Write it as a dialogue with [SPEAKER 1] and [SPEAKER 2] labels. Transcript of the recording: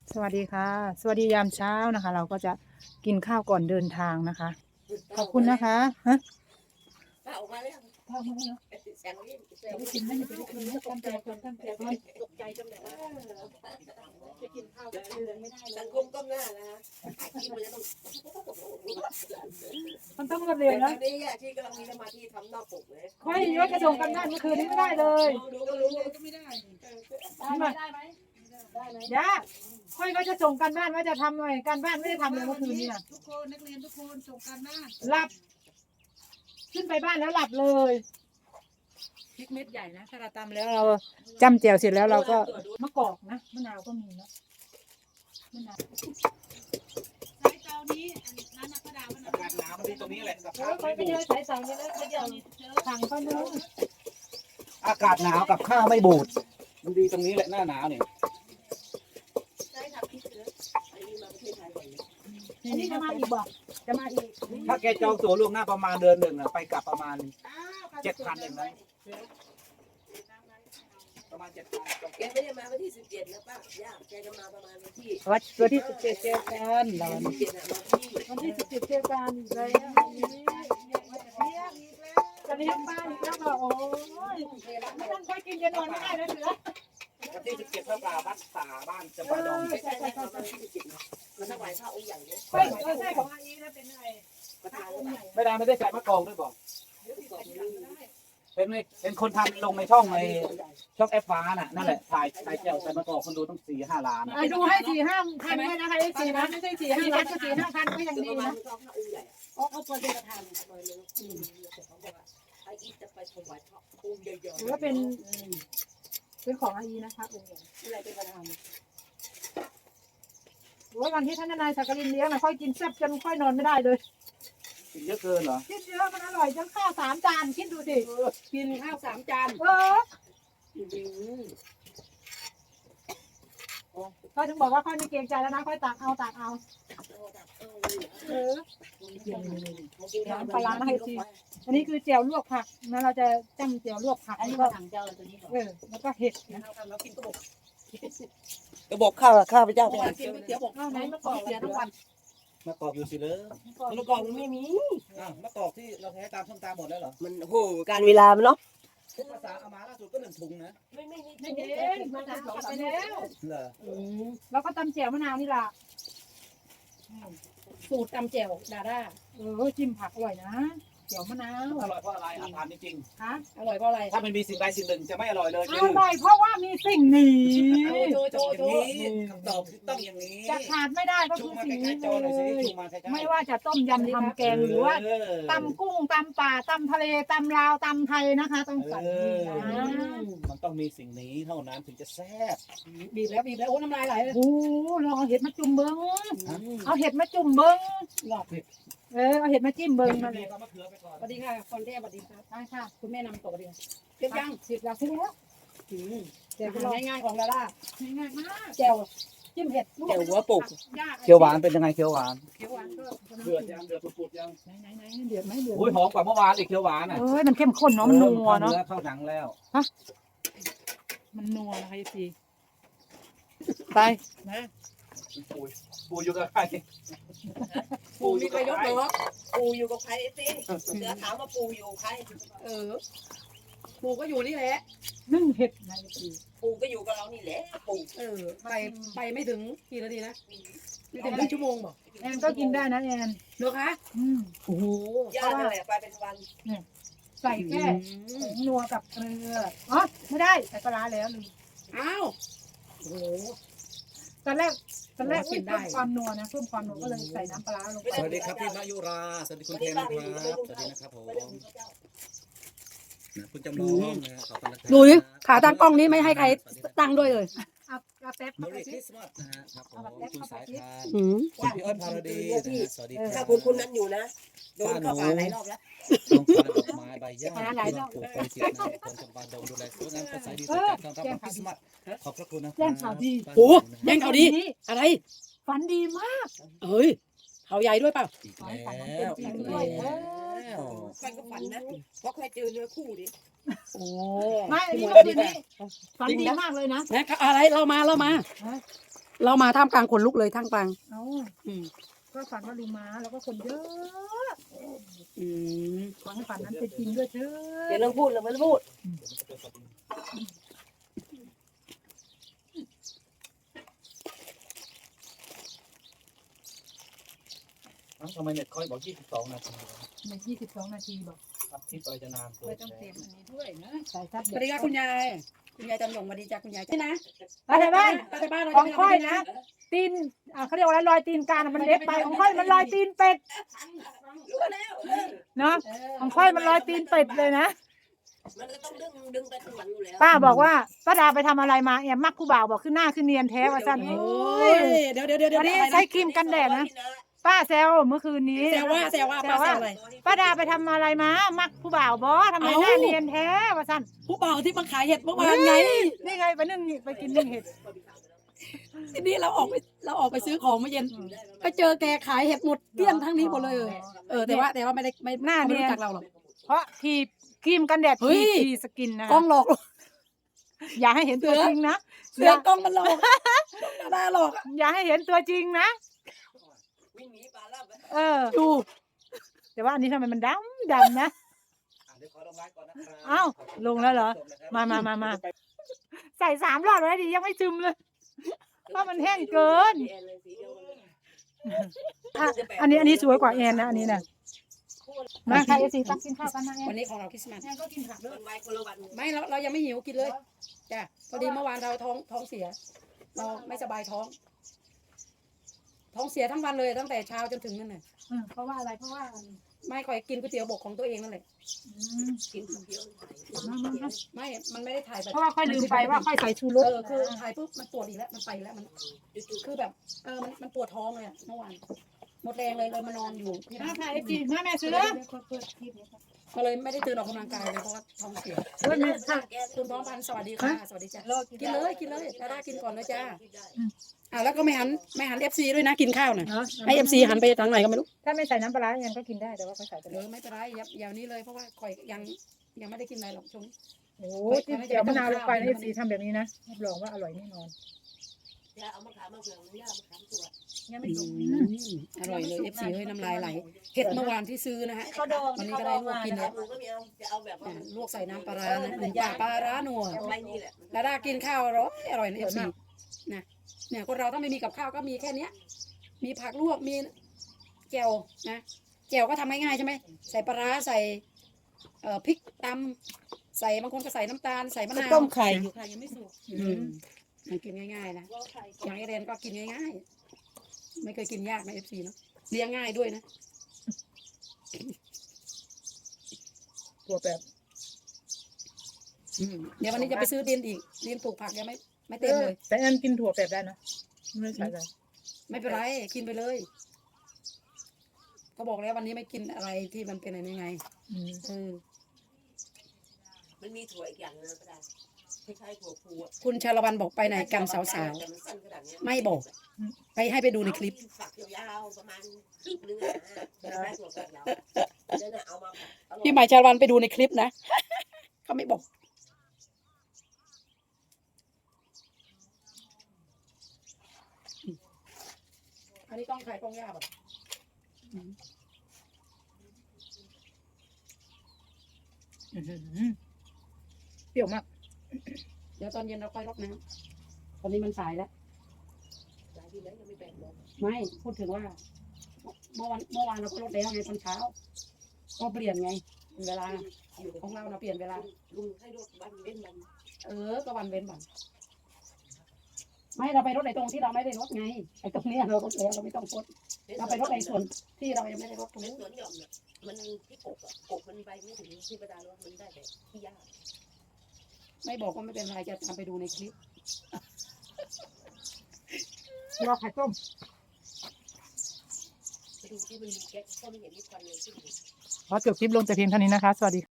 [SPEAKER 1] สวัสดีค่ะสวัสดียามเช้านะคะ เราก็จะกินข้าวก่อนเดินทางนะคะขอบคุณนะคะฮะ
[SPEAKER 2] ป้าออกมาแล้ว
[SPEAKER 1] ข้าวมาแล้ว
[SPEAKER 2] เสียงวิ่งเสียง
[SPEAKER 1] ไปได้กิ
[SPEAKER 2] วิ่ง
[SPEAKER 1] นไหมไปได้กินไหมตั้งใจก่อนตั้งใจก่อน
[SPEAKER 2] ตกใจจังเลยว่า
[SPEAKER 1] จะกินข้าวกันเดินไม่ได้เล
[SPEAKER 2] สั
[SPEAKER 1] ย
[SPEAKER 2] งคมก้มหน้านะถ่ายคลิปมันจะต้อง
[SPEAKER 1] มันต้องรวดเร็
[SPEAKER 2] แต่
[SPEAKER 1] ว
[SPEAKER 2] ตอ
[SPEAKER 1] นะ
[SPEAKER 2] นนี้ที่กำลังมีสมาธิทำนอกปกเลย
[SPEAKER 1] ค่อยยกกระส่งกันบ้านเมื่อคืนนี้ไม่ได้เลย
[SPEAKER 2] ดูก็รู้
[SPEAKER 3] ก็ไม่ได้
[SPEAKER 1] ได้ไหมย่าค่อยก็จะส่งกันบ้านว่าจะทำหน่อยการบ้านไม่ได้ทำเลยเมื่อคืนนี้นะ
[SPEAKER 3] ทุกคนนักเรียนทุกคนส่งการบ้าน
[SPEAKER 1] หลับ ขึ้นไปบ้านแล้วหลับเลย พริกเม็ดใหญ่นะถ้าเราตำแล้วเราจ้ำแจ่วเสร็จแล้วเราก็มะกอกนะมะนาวก็มีนะมะนาว
[SPEAKER 3] ใช้เตานี้อันนั้นนะกระดาษมัน
[SPEAKER 4] อากาศหนาวมันดีตรงนี้แหละกับ
[SPEAKER 1] โอ้
[SPEAKER 4] ข้าวย
[SPEAKER 1] ไป
[SPEAKER 4] ไม่
[SPEAKER 1] ไป
[SPEAKER 4] บู
[SPEAKER 1] เจ
[SPEAKER 4] ด
[SPEAKER 1] อสายสองนี่แล้วไปเจอถังก็นู้น
[SPEAKER 4] อากาศหนาวกับข้าวไม่บูดมันดีตรงนี้แหละหน้าหนาวเนี่ย
[SPEAKER 2] ใช้ทำคลิปเลยไอ้นี่มาประเทศไทยบ่อย
[SPEAKER 1] อันนี้จะมาอีกบอกจะมาอีก
[SPEAKER 4] ถ้าแกจองตั๋วล่วงหน้าประมาณเดือนหนึ่งอะไปกลับประมาณ7,000เองนะประมาณ7,000
[SPEAKER 2] แกไม่ได้มาวันที่17นะป้าย่าแกจะมาประมาณวันที่
[SPEAKER 1] วันที่17เจอกันเรา
[SPEAKER 2] 17นะมาที่
[SPEAKER 1] วันที่17เจอกันอีกแล้วจะเลี้ยงบ้านอีกแล้วบอกโอ้ยไม่ต้องค่อยกินจะนอนไม่ได้แล้วเสือ
[SPEAKER 4] วันที่17พระป่าวัดป่าบ้านจะปาดง
[SPEAKER 2] ใช่ใช่ประมาณที่17นะมันถวายพระองค์ใหญ่เนี่ย
[SPEAKER 1] ค่อยใช่ของอันนี้นะเป็นอะไร
[SPEAKER 2] ประธานองค์ใหญ่
[SPEAKER 4] ไม่ได้ใส่มะกอกด้วยบอกเป็นคนทำลงในช่องแอปฟ้าน่ะนั่นแหละถ่ายแก้วใส่มะกอกคนดูต้อง4-5 ล้าน
[SPEAKER 1] ดูให้4-5 พันด้วยนะคะไอ้4นะไม่ใช่4-5 ล้านก็4-5 พันก็ยังดี
[SPEAKER 2] ประมาณ
[SPEAKER 1] นะ
[SPEAKER 2] พระองค์ใหญ่
[SPEAKER 1] เอาตัวเป็นประธาน
[SPEAKER 2] ประมาณนั้นไอ้อีจะไปถวายพระองค์ใหญ่ๆ
[SPEAKER 1] หรือว่าเป็นของอาอีนะคะองค์ใหญ่
[SPEAKER 2] อะไรเป็นประธาน
[SPEAKER 1] หรือว่าวันที่ท่านนายสักกรินเลี้ยงนะค่อยกินแซ่บจนค่อยนอนไม่ได้เลย
[SPEAKER 4] กินเยอะเกินเหรอ
[SPEAKER 1] คิดเยอะมันอร่อยจนข้าว3 จานคิดดูสิ
[SPEAKER 2] กินข้าว3 จาน
[SPEAKER 1] ค่อยถึงบอกว่าค่อยไม่เกรงใจแล้วนะค่อยตักเอาปลาให้ทีอันนี้คือแจ่วลวกผักนะเราจะจ้ำแจ่วลวกผัก
[SPEAKER 2] อันนี้
[SPEAKER 1] แล้ว
[SPEAKER 2] มา
[SPEAKER 1] ก็
[SPEAKER 2] ถังเจ้าตัวนี้
[SPEAKER 1] แล้วก็เห็ดนะ
[SPEAKER 2] เรากินกระบอกข้าวพเจ้าไปกินก๋วยเตี๋ยวบอก
[SPEAKER 1] ข้าวไหนมะกอก
[SPEAKER 2] เสียทั้งวัน
[SPEAKER 4] มะกอกอยู่สิเลย
[SPEAKER 2] มะกอกมันไม่มี
[SPEAKER 4] มะกอกที่เราใช้ตามส้มตำหมดแล้วเหรอ
[SPEAKER 2] มันโหการเวลามันเนาะ
[SPEAKER 4] ภาษาเอามาล่าสุดก็1 ถุงนะ
[SPEAKER 2] ไม่
[SPEAKER 1] ไม่เห็นมันตัดไปแล้ว
[SPEAKER 4] เหรอ
[SPEAKER 1] แล้วก็ตำแจ่วมะนาวนี่ล่ะ
[SPEAKER 2] สูตรตำแจ่วดาด้า
[SPEAKER 1] จิ้มผักอร่อยนะแจ่วมะนาว
[SPEAKER 4] อร่อยเพราะอะไรอาหารจริง
[SPEAKER 1] ฮะ
[SPEAKER 2] อร่อยเพราะอะไร
[SPEAKER 4] ๆถ้ามันมีสิ่งใดสิ่งหนึ่งจะไม่อร่อยเลย
[SPEAKER 1] อร่อยเพราะว่ามีสิ่งนี้
[SPEAKER 2] โจ
[SPEAKER 4] อย่างนี้คำตอบคือต้องอย่างนี้
[SPEAKER 1] จะขาดไม่ได้ก็
[SPEAKER 4] ชู
[SPEAKER 1] คือ
[SPEAKER 4] มา
[SPEAKER 1] สิ่ง
[SPEAKER 4] ใกล้
[SPEAKER 1] นี้
[SPEAKER 4] ๆจอหน่อยสิ
[SPEAKER 1] เลย
[SPEAKER 4] ชูมาใกล้ๆ
[SPEAKER 1] ไม่ว่าจะต้มยำทำแกงหรือว่าตำกุ้งตำป่าตำทะเลตำลาวตำไทยนะคะ ต้องใส่นี่นะ
[SPEAKER 4] มันต้องมีสิ่งนี้เท่านั้นถึงจะแซ่บ
[SPEAKER 2] บีบแล้วโอ้น้ำลายไหลเลย
[SPEAKER 1] โอ้ลองเอาเห็ดมาจุ่มเบิ้งเอาเห็ดมาจุ่มเบิ้ง
[SPEAKER 2] หลอด
[SPEAKER 1] เอาเห็ดมาจิ้มเบิ้งมา
[SPEAKER 4] เล
[SPEAKER 1] เลย ย
[SPEAKER 4] ก็มะเขือไปก่อน
[SPEAKER 2] สวัสดีค่ะคอนเทสวัสดีครับ
[SPEAKER 1] ได้ค่ะ
[SPEAKER 2] คุณแม่นำตัวดีเก็บยัง
[SPEAKER 1] สิบแล้วใช่แล้ว
[SPEAKER 2] แจ่วง่ายๆของดาด้า
[SPEAKER 1] ง่ายมาก
[SPEAKER 2] แจ่ว
[SPEAKER 1] จิ้มเห็ด
[SPEAKER 2] แจ่วหัวปลูก
[SPEAKER 4] เขียวหวานเป็นยังไงเขียวหวาน
[SPEAKER 1] เขียวหวานก็
[SPEAKER 4] เดือดยังเดือดปุดๆยัง
[SPEAKER 1] ไหนเดือดไหมเดือด
[SPEAKER 4] โอ้ยหอมกว่าเมื่อวานอีกเขียวหวานอ่ะ
[SPEAKER 1] มันเข้มข้นเนาะมันนัวเนาะ
[SPEAKER 4] เข้าหนังแล้ว
[SPEAKER 1] มันนัวนะคะพี่ไปนะ
[SPEAKER 4] ปูอยู่กับใคร
[SPEAKER 2] ปูมีใครยกเหรอปูอยู่กับใครสิเสือถามว่าปูอยู่ใครปูก็อยู่นี่แหละ
[SPEAKER 1] นึ่งเห็ดนะพี่
[SPEAKER 2] ปูก็อยู่กับเรานี่แหละปูไปไม่ถึงกี่นาทีนะไม่ถึง1 ชั่วโมงบอก
[SPEAKER 1] แอนก็กินได้นะแอน
[SPEAKER 2] เหรอคะ
[SPEAKER 1] โอ้โห
[SPEAKER 2] ย่านั่นแหละไปเป็นวัน
[SPEAKER 1] ใส่แค่ผงนัวกับเกลืออ๋อไม่ได้ใส่ปลาร้าแล้วลืม
[SPEAKER 2] อ้าวโอ้โห
[SPEAKER 1] ตอนแรกเพิ่มความนัวนะเพิ่มความนัวก็เลยใส่น้ำปลาร้าลงไป
[SPEAKER 4] สวัสดีครับพี่มายุราสวัสดีคุณเทนนะครับสวัสดีนะครับผมคุณจำลองนะขอบคุณนะครับ
[SPEAKER 5] ดูดิขาตั้งกล้องนี้ไม่ให้ใครตั้งด้วยเลย
[SPEAKER 1] เอาแป๊บ
[SPEAKER 4] ม
[SPEAKER 1] เข้าไป
[SPEAKER 4] ริค
[SPEAKER 1] สิ
[SPEAKER 4] ริสต์มาสนะฮะครับผมคุณสายทาน
[SPEAKER 5] อืม
[SPEAKER 4] คุณพี่เอิญพาราดีนะฮะสวัสดีค
[SPEAKER 2] ถ้า
[SPEAKER 4] รับ
[SPEAKER 2] คุณนั้นอยู่นะโดนเข้าป่าหลายรอบแล้ว
[SPEAKER 4] ต้องการดอกไม้ใบหญ้าที่ต้องปลูกบริเกียรตินะคนจำปาดงดูแลสวยงามภาษาดีสุดจากต้อนรับวันคริสต์มาสขอบพระคุณนะ
[SPEAKER 1] แจ้งข่าวดี
[SPEAKER 5] โอ้แย่งเขาดีอะไร
[SPEAKER 1] ฝันดีมาก
[SPEAKER 5] เอ้ยเขาใหญ่ด้วยเปล่า
[SPEAKER 4] อีกแล้วอีกแล้ว
[SPEAKER 2] ใครก็ฝันนะเพราะใครเจอเนื้อคู่ดิ
[SPEAKER 5] โอ้
[SPEAKER 1] ไม่อันนี้เมื่อคืนนี้ฝันดีมากเลยนะ
[SPEAKER 5] นะอะไรเรามาเรามาท่ามกลางคนลุกเลยท่ามกลาง
[SPEAKER 1] เอ้า
[SPEAKER 5] อืม
[SPEAKER 1] ก็ฝันว่าลุงม้าแล้วก็คนเยอะ
[SPEAKER 5] อืม
[SPEAKER 1] ขอให้ฝันนั้นเป็นจริงด้วยเถอ
[SPEAKER 2] เดี๋ยว
[SPEAKER 1] ะ
[SPEAKER 2] เรื่องพูดเลยไม่ต้องพูด
[SPEAKER 4] ทำไมเน็ตค่อยบอก22 นาที
[SPEAKER 1] ใน22 นาทีบอก
[SPEAKER 4] อัพคลิปอะไรจะนานเกิน
[SPEAKER 3] ต้องเตรียมอันนี้ด้วยนะ
[SPEAKER 1] สายซับ
[SPEAKER 5] ส
[SPEAKER 1] เด็
[SPEAKER 5] วัสดีค่ะคุณยายคุณยายจันหยงสวัสดีจ้าคุณยายนี่นะ
[SPEAKER 1] ป้าในบ้าน
[SPEAKER 5] ป้าในบ้านเรา
[SPEAKER 1] ของ
[SPEAKER 5] จะไม่
[SPEAKER 1] ค่อย
[SPEAKER 5] ทำ
[SPEAKER 1] นะ ตีนเขาเรียกว่าอะไรรอยตีนกาน่ะมันเล็กไปของค่อยมันรอยตีนเป็ด
[SPEAKER 2] รู้แล้ว
[SPEAKER 1] เนาะของค่อยมันรอยตีนเป็ดเลยนะ
[SPEAKER 2] มันก็ต้องดึงไปข้างหลังอยู่แล้ว
[SPEAKER 1] ป้าบอกว่าป้าดาไปทำอะไรมาแอบมักผู้บ่าวบอกขึ้นหน้าขึ้นเนียนแท้ว่าสั้น
[SPEAKER 5] โอ้
[SPEAKER 1] โอ้
[SPEAKER 5] ย
[SPEAKER 1] ย
[SPEAKER 5] เดี๋ยว
[SPEAKER 1] อันนี้ใช้ครีมกันแดดนะป้าแซวเมื่อคืนนี้
[SPEAKER 5] แซวว่าป้าแซวอะไร
[SPEAKER 1] ป้าดาไปทำอะไรมามักผู้บ่าวบอทำไมหน้าเนียนแท้ว่าสั้น
[SPEAKER 5] ผู้บ่าวที่มาขายเห็ดเมื่อวานไง
[SPEAKER 1] นี่ไงไปนึ่งไปกินนึ่งเห็ด
[SPEAKER 5] ทีนี้เราออกไปซื้อของเมื่อเย็นไปเจอแกขายเห็ดหมดเกลี้ยงทั้งนี้หมดเลยแต่ว่าไม่ได้ไม่รู้จักเราหรอก
[SPEAKER 1] เพราะครีมกันแดด
[SPEAKER 5] เฮ้ย
[SPEAKER 1] ทีสกินนะ
[SPEAKER 5] กล้องหลอก
[SPEAKER 1] อย่าให้เห็นตัวจริงนะ
[SPEAKER 5] เสือกล้องมันหลอกดาหลอก
[SPEAKER 1] อย่าให้เห็นตัวจริงนะ
[SPEAKER 2] วิ่งหนีปลาล่าไป
[SPEAKER 1] เออ
[SPEAKER 5] ดู
[SPEAKER 1] แต่ว่าอันนี้ทำไมมันดำนะ
[SPEAKER 4] เดี๋ยวขอลงไลฟ์ก่อนนะครับ
[SPEAKER 1] อ้าวลงแล้วเหรอมา ใส่3 รอบแล้วดิยังไม่ซึมเลยเพราะมันแห้งเกินอ่ะอันนี้สวยกว่าแอนนะอันนี้นะมาค่ะเอซีตักกินข้าวกันนะแอ
[SPEAKER 5] วัน นนี้ของเราคริสต์มาส
[SPEAKER 1] แอนก็กินผักด้วย
[SPEAKER 2] มันไวคนละวัน
[SPEAKER 5] ไม่เรายังไม่หิวกินเลยจ้ะพอดีเมื่อวานเราท้องเสีย เราไม่สบายท้องเสียทั้งวันเลยตั้งแต่เช้าจนถึงนั่นน่ะ
[SPEAKER 1] เพราะว่าอะไรเพราะว่า
[SPEAKER 5] ไม่ค่อยกินก๋วยเตี๋ยวบกของตัวเองนั่นแหละ
[SPEAKER 2] กินคนเดียว
[SPEAKER 5] ไม่มันไม่ได้ถ่ายแบบ
[SPEAKER 1] เพราะว่าค่อยลืมไปว่าค่อยใส่ชูรส
[SPEAKER 5] คือถ่ายปุ๊บมันปวดอีกแล้วมันไปอีกแล้วมันคือแบบมันปวดท้องเลยอะเมื่อวานหมดแรงเลยมานอนอยู่ที่
[SPEAKER 1] มา
[SPEAKER 5] บ้าน
[SPEAKER 1] ค่ะเอซีมาแม่ซื้อ
[SPEAKER 5] ก็เลยไม่ได้ตื่นออกกำลังกายเลยเพราะว่าท้องเสีย
[SPEAKER 1] เฮ้ยแม่ค่ะ
[SPEAKER 5] คุณท้องพันธุ์สวัสดีค่ะสวัสดีจ้ะกินเลยดารากินก่อนเลยจ้าแล้วก็ไม่หันเอฟซีด้วยนะกินข้าวน่ะให้เอฟซีหันไปทางไหนก็ไม่รู้
[SPEAKER 1] ถ้าไม่ใส่น้ำปลาร้าแอนก็กินได้แต่ว่าเขาใส่ไปเลย
[SPEAKER 5] ไม่เป็นไรอย่างนี้เลยเพราะว่าข่อยยังไม่ได้กินอะไรหรอกช่วงนี้
[SPEAKER 1] โอ้ยเดี๋ยวมะนาวลงไปนะเอซีทำแบบนี้นะรับรองว่าอร่อยแน่นอน
[SPEAKER 2] จะเอามาขายมาเผื่อมันยากมาขายตัว
[SPEAKER 1] ยังไม่ถูก
[SPEAKER 5] อร่อยเลยเอฟซีเฮ้ยน้ำลายไหลเห็ดเมื่อวานที่ซื้อนะฮะ
[SPEAKER 2] เขาดอง
[SPEAKER 5] วันนี้ก็ได้ลวกกิน
[SPEAKER 2] แล้
[SPEAKER 5] แล้ว ว
[SPEAKER 2] มือก็ไม่เอาจะเอาแบบว่า
[SPEAKER 5] ลวกใส่น้ำปลาร้านะหนึ่งปลาร้านัว
[SPEAKER 2] ไม่นี่แหละ
[SPEAKER 5] ดารากินข้าวอร่อยนะเอฟซีนะเนี่ยคนเราถ้าไม่มีกับข้าวก็มีแค่เนี้ยมีผักลวกมีแจ่วนะแจ่วก็ทำง่ายๆใช่ไหมใส่ปลาร้าใส่พริกตำใส่บางคนก็ใส่น้ำตาลใส่มะนาว
[SPEAKER 2] ต้มไข่อยู่ค่ะยังไม่สุก
[SPEAKER 5] มันกินง่ายๆนะอย่างไอเรนก็กินง่ายๆไม่เคยกินยากนะเอฟซีเนาะเลี้ยงง่ายด้วยนะ
[SPEAKER 1] ตัวแบบ
[SPEAKER 5] เดี๋ยววันนี้จะไปซื้อดินอีกดินปลูกผักยังไม่เต็มเลย
[SPEAKER 1] แต่แอนกินถั่วแบบได้นะไม่ใส่เลย
[SPEAKER 5] ไม่เป็นไรกินไปเลย ก็บอกแล้ววันนี้ไม่กินอะไรที่มันเป็นอะไรยังไง
[SPEAKER 2] มันมีถั่วอีกอย่างนึงก็ได้คล้ายๆถั่วพูอ่ะ
[SPEAKER 5] คุณชาละวันบอกไปไหนกันสาวๆไม่บอกให้ไปดูในคลิป
[SPEAKER 2] ฝักยาวๆประมาณครึ่งนึงนะคล้ายๆถั่วฝักยาวนั่นน่ะเอามา
[SPEAKER 5] พี่หมายชาละวันไปดูในคลิปนะ เขาไม่บอกอันนี้ต้องใครต้องยาแบบ
[SPEAKER 1] เปรี้ยวมาก
[SPEAKER 5] เดี๋ยวตอนเย็นเราค่อยรดน้ำตอนนี้มันสายแล้ว
[SPEAKER 2] หลายทีแล้วยังไม่แบ่งเลย
[SPEAKER 5] ไม่พูดถึงว่าเมื่อวานเราก็รดแล้วไงตอนเช้า ก็เปลี่ยนไงเวลาของเราเปลี่ยนเวลา
[SPEAKER 2] ลุงให้รถวันเว้นวัน
[SPEAKER 5] ก็วันเว้นวันไม่เราไปรถในตรงที่เราไม่ได้รถไงไอ้ตรงนี้เรารถแล้วเราไม่ต้องรถเราไปรถในส่วนที่เรายังไม่ได้รถตรง
[SPEAKER 2] ใน
[SPEAKER 5] นี้
[SPEAKER 2] สวนหย่อมน่ะมันที่กบอ่ะกบมันไปไม่ถึงที่ประดารถมันได้แต่ที่ยาก
[SPEAKER 5] ไม่บอกก็ไม่เป็นไรจะทำไปดูในคลิป
[SPEAKER 1] รอไข่ต้ม
[SPEAKER 2] ไปดูที่มันมีแก๊สก็ไม่เห็นมีควันเลยขึ้น
[SPEAKER 1] ขอจบคลิปลงแต่เพียงเท่านี้นะคะ สวัสดี